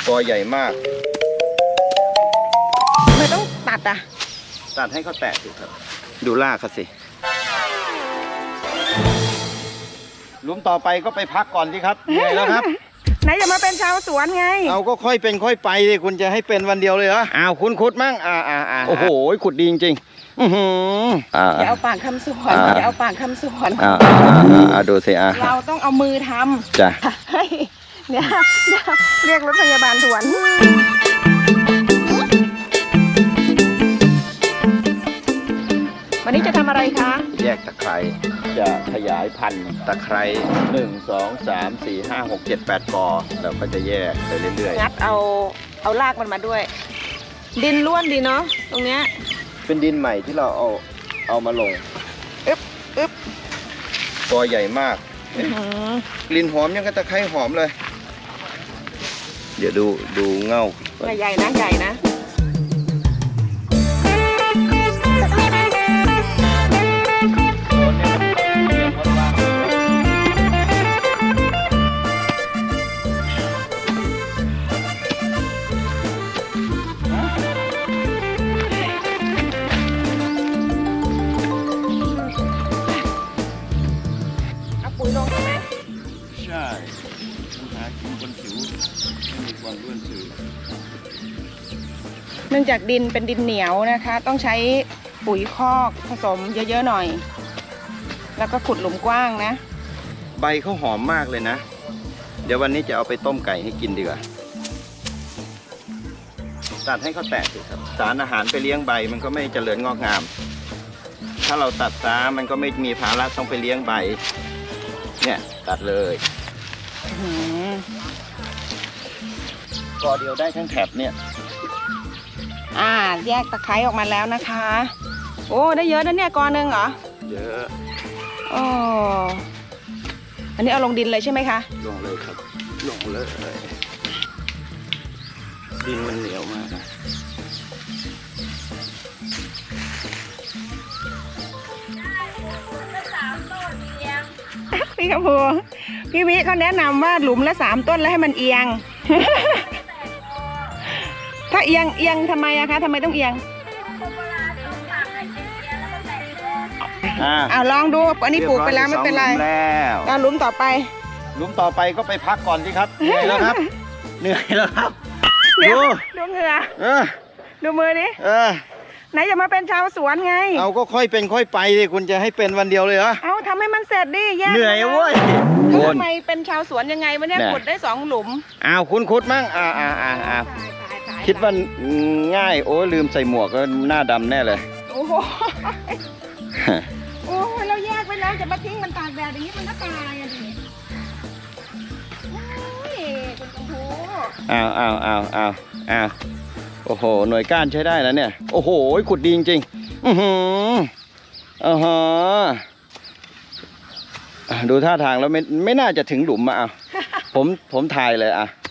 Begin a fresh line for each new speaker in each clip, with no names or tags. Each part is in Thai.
กอใหญ่มาก
ทำไมต้องตัดอ่ะ
ตัดให้เขาแตะสิครับดูรากเขาสิหลุมต่อไปก็ไปพักก่อนสิครับเหนื่อยแล้วครับ
ไหนจะมาเป็นชาวสวนไง
เอาก็ค่อยเป็นค่อยไปสิคุณจะให้เป็นวันเดียวเลยเหรอคุณขุดมั่งโอ้โหขุดดีจริงๆ
อย่าเอาปากคำสวนอย่าเอาปากคำสวน
ดูสิ
เราต้องเอามือทำ
จ้ะ
เนี่ยเรียกรถพยาบาลด่วนวันนี้จะทำอะไรคะ
แยกตะไคร้จะขยายพันธุ์ตะไคร้1 2 3 4 5 6 7 8 กอเราก็จะแยกไปเรื่อย
ๆงัดเอารากมันมาด้วยดินล้วนดีเนาะตรงเนี้ย
เป็นดินใหม่ที่เราเอามาลง
อึ๊บ
กอใหญ่มากกลิ่นหอมยังกับตะไคร้หอมเลยเดี๋ยวดูเง่า
ใหญ่นะใหญ่นะปุ๋ยลงใช่ไหม
ใช่ปัญหากินบนผิวไม่มีความร่วนสื่อ
เนื่องจากดินเป็นดินเหนียวนะคะต้องใช้ปุ๋ยคอกผสมเยอะๆหน่อยแล้วก็ขุดหลุมกว้างนะ
ใบเขาหอมมากเลยนะเดี๋ยววันนี้จะเอาไปต้มไก่ให้กินดีกว่าตัดให้เขาแตกสิครับสารอาหารไปเลี้ยงใบมันก็ไม่เจริญงอกงามถ้าเราตัดซะมันก็ไม่มีภาระต้องไปเลี้ยงใบเนี่ยตัดเลยกอเดียวได้ทั้งแถบเนี่ย
แยกตะไคร้ออกมาแล้วนะคะโอ้ได้เยอะนะเนี่ยกอนึงเหรอ
เยอะ
อันนี้เอาลงดินเลยใช่ไหมคะ
ลงเลยครับลงเลยดินมันเหนียวมาก
พี่กระพูพี่วิเขาแนะนำว่าหลุมละ3 ต้นแล้วให้มันเอียง ถ้าเอียงทำไมอะคะทำไมต้องเอียงลองดูอันนี้ปลูกไปแล้วไม่เป็นไรแล้วหลุมต่อไป
ก็ไปพักก่อนสิครับเหนื่อยแล้วครับเหนื่อยแล้วครับ
ดูเหงื่อดูมือดิไหนจะมาเป็นชาวสวนไง
เอาก็ค่อยเป็นค่อยไปสิคุณจะให้เป็นวันเดียวเลยเหรอ
เอาทำให้มันเสร็จดิแยก
เหนื่อยเว้ย
ทำไมเป็นชาวสวนยังไงวันนี้ขุดได้2 หลุม
คุณขุดมั่งคิดว่าง่ายโอ้ลืมใส่หมวกก็หน้าดำแน่เลย
โอ้โหเราแยกไปแล้วจะมาทิ้งมันตากแดดอย่างนี้มันก็ตายอ่ะดิคุณครู
โอ้โหหน่วยก้านใช้ได้แล้วเนี่ยโอ้โหขุดดีจริงดูท่าทางแล้วไม่น่าจะถึงหลุมมาผมถ่ายเลย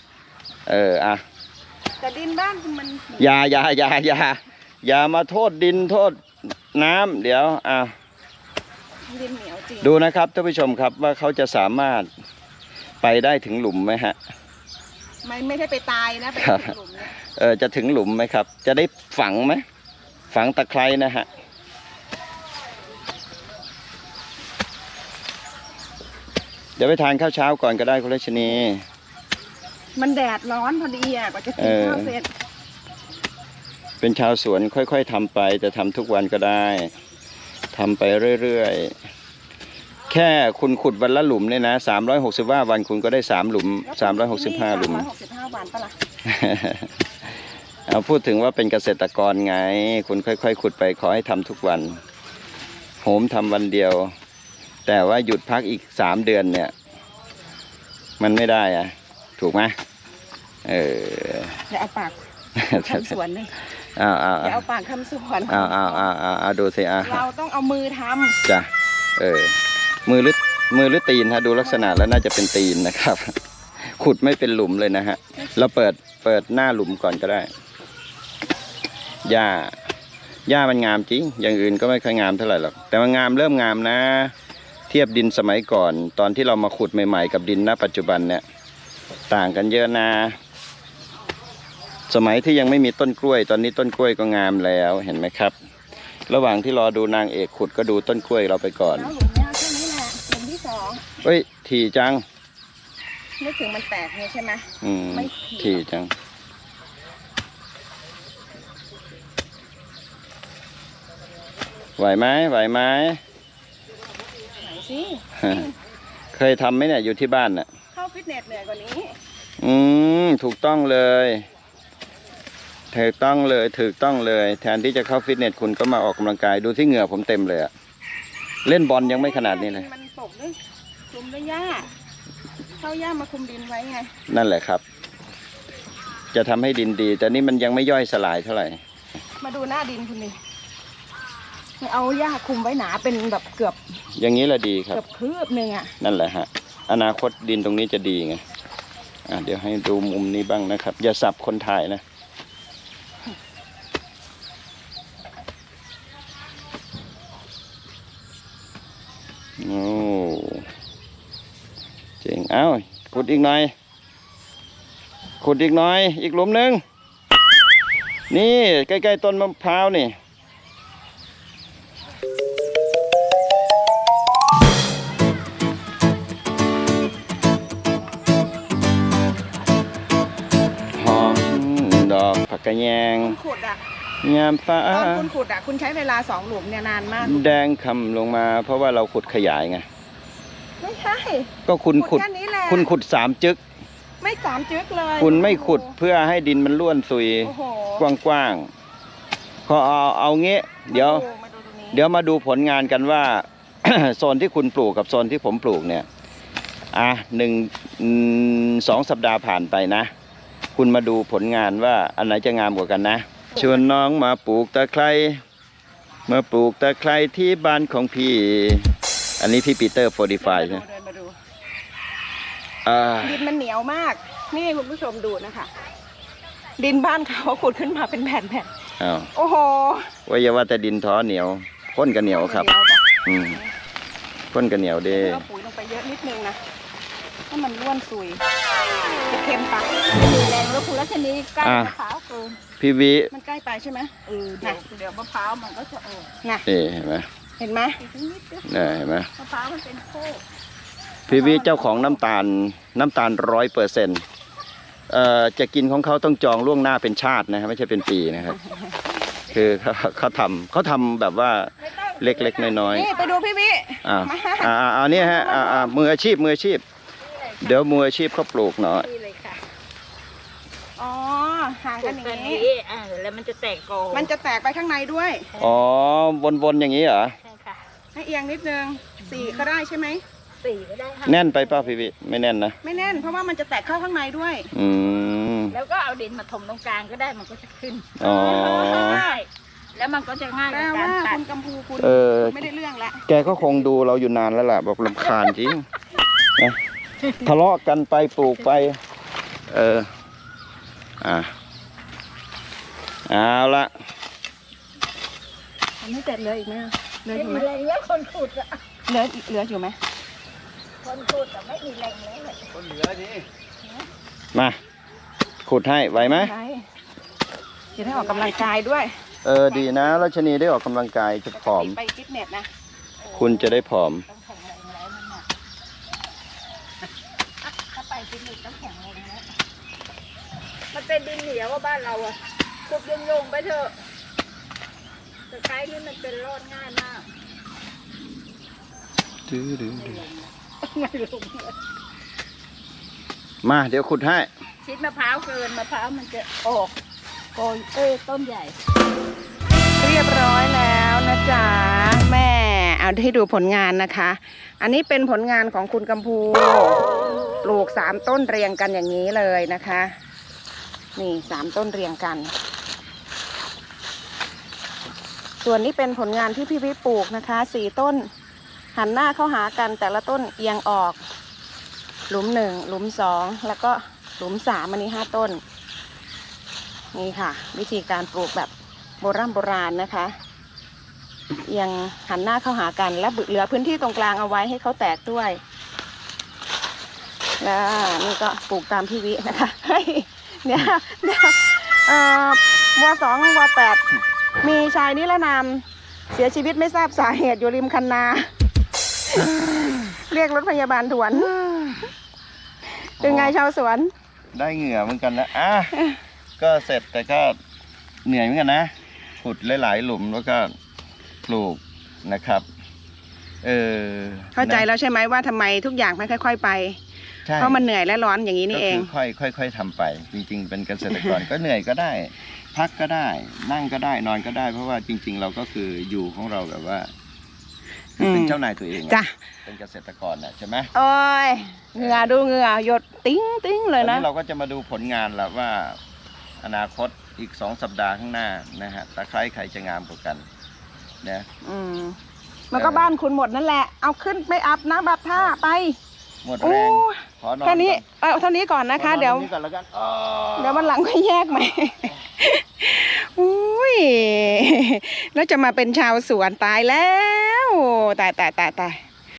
แต่ดินบ้านมัน
อย่ามาโทษดินโทษน้ำเดี๋ยว
ดินเหนียวจริง
ดูนะครับท่านผู้ชมครับว่าเขาจะสามารถไปได้ถึงหลุมไหมฮะ
ไม่ได้ไปตายนะไปถึงหลุม
จะถึงหลุมไหมครับจะได้ฝังไหมฝังตะไคร้นะฮะเดี๋ยวไปทานข้าวเช้าก่อนก็ได้คุณรัชนี
มันแดดร้อนพอดีกว่าจะกินข้าวเสร็จ
เป็นชาวสวนค่อยๆทำไปแต่ทำทุกวันก็ได้ทำไปเรื่อยๆแค่คุณขุดวันละหลุมเนี่ยนะ365 วันคุณก็ได้3 หลุม365 หลุม
365 วันปะล่ะ
เอาพูดถึงว่าเป็นเกษตรกรไงคุณค่อยๆขุดไปขอให้ทำทุกวันโหมทำวันเดียวแต่ว่าหยุดพักอีก3 เดือนเนี่ยมันไม่ได้ถูกไหม
อย่าเอาปากคำสวนเลยอย่าเอาปากคำสวน
ดูสิ
เราต้องเอามือทำ
จ้ะมือหรือตีนฮะดูลักษณะแล้วน่าจะเป็นตีนนะครับขุดไม่เป็นหลุมเลยนะฮะเราเปิดหน้าหลุมก่อนก็ได้หญ้ามันงามจริงอย่างอื่นก็ไม่ค่อยงามเท่าไหร่หรอกแต่มันเริ่มงามนะเทียบดินสมัยก่อนตอนที่เรามาขุดใหม่ๆกับดินณปัจจุบันเนี่ยต่างกันเยอะนะสมัยที่ยังไม่มีต้นกล้วย ตอนนี้ต้นกล้วยก็งามแล้วเห็นไหมครับ ระหว่างที่รอดูนางเอกขุดก็ดูต้นกล้วยเราไปก่อน
แล้วหลุมเนี่ยแค่นี้แหละหลุมที่สอง
เฮ้ยถี่จัง
นึกถึงมันแตกเนี่ยใช่ไหม ไม่
ถี่จัง ไหวไหมไหวไหม
ไหนสิ
เคยทำไหมเนี่ยอยู่ที่บ้านน่ะ
เข้าฟิตเนสเหนื่อยกว่านี้
ถูกต้องเลยถูกต้องเลยถูกต้องเลย แทนที่จะเข้าฟิตเนสคุณก็มาออกกำลังกายดูที่เหงื่อผมเต็มเลยอะเล่นบอลยังไม่ขนาดนี้เลย
มันตกด้วยคลุมด้วยหญ้าเข้าหญ้ามาคลุมดินไว้ไง
นั่นแหละครับ จะทำให้ดินดี แต่นี่มันยังไม่ย่อยสลายเท่าไหร่
มาดูหน้าดินคุณดิเอาหญ้าคลุมไว้หนาเป็นแบบเกือบ
อย่างนี้แหละดีครับ
เกือบคืบหนึ่งอ่ะ
นั่นแหละฮะอนาคตดินตรงนี้จะดีไงเดี๋ยวให้ดูมุมนี้บ้างนะครับ อย่าสับคนถ่ายนะโอ้เจ๋งเอ้าขุดอีกหน่อยขุดอีกหน่อยอีกหลุมหนึ่งนี่ใกล้ๆต้นมะพร้าวนี่หอมดอกผักกะแยง
ขุดอ่ะ
ยามฟ้า
ตอนคุณขุดอ่ะคุณใช้เวลา2 หลุมเนี่ยนานมาก
แดงคำลงมาเพราะว่าเราขุดขยายไง
ไม่ใช่
ก็คุณขุด
แค่นี้แหละ
คุณขุด3 จึก
ไม่3 จึ๊กเลย
คุณไม่ขุดเพื่อให้ดินมันล้วนซุย
โอ้โห
กว้างๆพอเอาเงี้ยเดี๋ยว
มาดูตรงนี้
เดี๋ยวมาดูผลงานกันว่า โซนที่คุณปลูกกับโซนที่ผมปลูกเนี่ย2 สัปดาห์ผ่านไปนะ คุณมาดูผลงานว่าอันไหนจะงามกว่ากันนะชวนน้องมาปลูกตะไคร้มาปลูกตะไคร้ที่บ้านของพี่ อันนี้พี่ปีเตอร์45ใช่ไหม
เดินมาดู
อ่า
ดินมันเหนียวมาก นี่คุณผู้ชมดูนะคะ ดินบ้านเขาขุดขึ้นมาเป็นแผ่น
อ้าว
ๆโอ้โห
ว่าอย่าว่าแต่ดินท้อเหนียวข้นก็เหนียวครับ
เดียวจ้ะ
ข้นก็เหนียวเด้
เอาปุ๋ยลงไปเยอะนิดนึงนะให้มันร่วนซุยจะเค็มปะ
มีแรงแล้วคุณรัชนีใกล้มะพร้าวเกิน
พี่วิ
มันใกล้ไปใช่ไหม
เดี๋ยวมะพร้าวมันก็จะออก
น่ะ
นี่เห็นไหม
เห็นไหม
อีกนิดเดียว
นี่เห็นไหม
มะพร้าวมันเป็นโคก
พี่วิเจ้าของน้ำตาล100%จะกินของเขาต้องจองล่วงหน้าเป็นชาตินะครับไม่ใช่เป็นปีนะครับ คือเขาทำแบบว่าเล็กๆน้อย
นี่ไปดูพี่วิ
ๆอันนี้ฮะมืออาชีพเดี๋ยวมืออาชีพเขาปลูกหน่อย
นี่เลยค่ะ
อ๋อห่าง
ปลู
กัน
ก
อย่าง
กัน
นี้
นี้แล้วมันจะแตกกอ
มันจะแตกไปข้างในด้วย
อ๋อวนๆอย่างนี้เหรอ
ใช่ค่ะ
ให้เอียงนิดนึง4ก็ได้ใช่ไหม
4ก็ได้ค่ะ
แน่นไปเปล่าพี่วิไม่แน่นนะ
ไม่แน่นเพราะว่ามันจะแตกเข้าข้างในด้วย
อืม
แล้วก็เอาดินมาถมตรงกลางก็ได้มันก็จะขึ้น
อ๋อ
ใช่แล้วมันก็จะง่าย
แปล
ในกา
ว่าร
ตัด
คุณกัมพูคุณ ไม่ได้เรื่องละ
แกก็คงดูเราอยู่นานแล้วล่ะบอกรำคาญจริงนะทะเลาะกันไปปลูกไป เอาละ
มันไม่เสร็จเลยอีกไหมเหลือ
ไม่
อยู่ไห
มี
ม
แรงแล้วคนขุดอะ
เหลืออยู่ไหม
คนขุดแต่ไม่มีแรงแล้วเลย
มาขุดให้ไหวไหม
ใช่จะได้ออกกำลังกายด้วย
ดีนะรัชนีได้ออกกำลังกายจะผอม
ไปฟิตเนสนะ
คุณจะได้ผอม
ต้องแข็งแรงแล้วนั่นน่ะถ้าไปฟิตเนสต้องแข็งแรงแล้วมันเป็นดินเหนียวว่าบ้านเราอะขุดโยงๆไปเถอะแต่ไกด์นี่มันเป็นรอดง่ายมากไม่ลงเลย
มาเดี๋ยวขุดให้
ชิดมะพร้าวเกินมะพร้าวมันจะออกโกยต้นใหญ่
เรียบร้อยแล้วนะจ๊ะแม่เอาให้ดูผลงานนะคะ อันนี้เป็นผลงานของคุณกัมพูปลูก3 ต้นเรียงกันอย่างนี้เลยนะคะ นี่3 ต้นเรียงกัน ส่วนนี้เป็นผลงานที่พี่วิปลูกนะคะ4 ต้น หันหน้าเข้าหากันแต่ละต้นเอียงออก หลุม1หลุม2แล้วก็หลุม3อันนี้5 ต้น นี่ค่ะ วิธีการปลูกแบบโบราณนะคะเอียงหันหน้าเข้าหากันและเหลือพื้นที่ตรงกลางเอาไว้ให้เขาแตกด้วย แล้วนี่ก็ปลูกตามพี่วินะคะเฮ้ยเดี๋ยวว2 ว8มีชายนิรนามเสียชีวิตไม่ทราบสาเหตุอยู่ริมคันนา เรียกรถพยาบาลด่วนเป็นไงชาวสวน
ได้เหงื่อเหมือนกันนะก็เสร็จแต่ก็เหนื่อยเหมือนกันนะขุดหลายๆหลุมแล้วก็ปลูกนะครับ
เข้าใจแล้วใช่ไหมว่าทำไมทุกอย่างไม่ค่อยๆไปเพราะมันเหนื่อยและร้อนอย่างนี้นี่เอง
ค่อยๆทำไปจริงๆเป็นเกษตรกร ก็เหนื่อยก็ได้ พักก็ได้นั่งก็ได้นอนก็ได้เพราะว่าจริงๆเราก็คืออยู่ของเราแบบว่าเป็นเจ้านายตัวเอง
จ้ะ
เป็นเกษตรกรนะใช่ไหม
โอ้ยเหงื่อดูเหงื่อหยดติ้งติ้งเลยนะ
เราก็จะมาดูผลงานแล้วว่าอนาคตอีก2 สัปดาห์ข้างหน้านะฮะตะไคร้ใครจะงามกว่ากันนะ
มันก็บ้านคุณหมดนั่นแหละเอาขึ้นไม่อัพนะบับท่าไป
หมดแรงขอนอน
แค่นี้เท่านี้ก่อนนะคะเดี๋ยววันหลังค่อยแยกใหม่อุ้ยแล้วจะมาเป็นชาวสวนตายแล้วตาย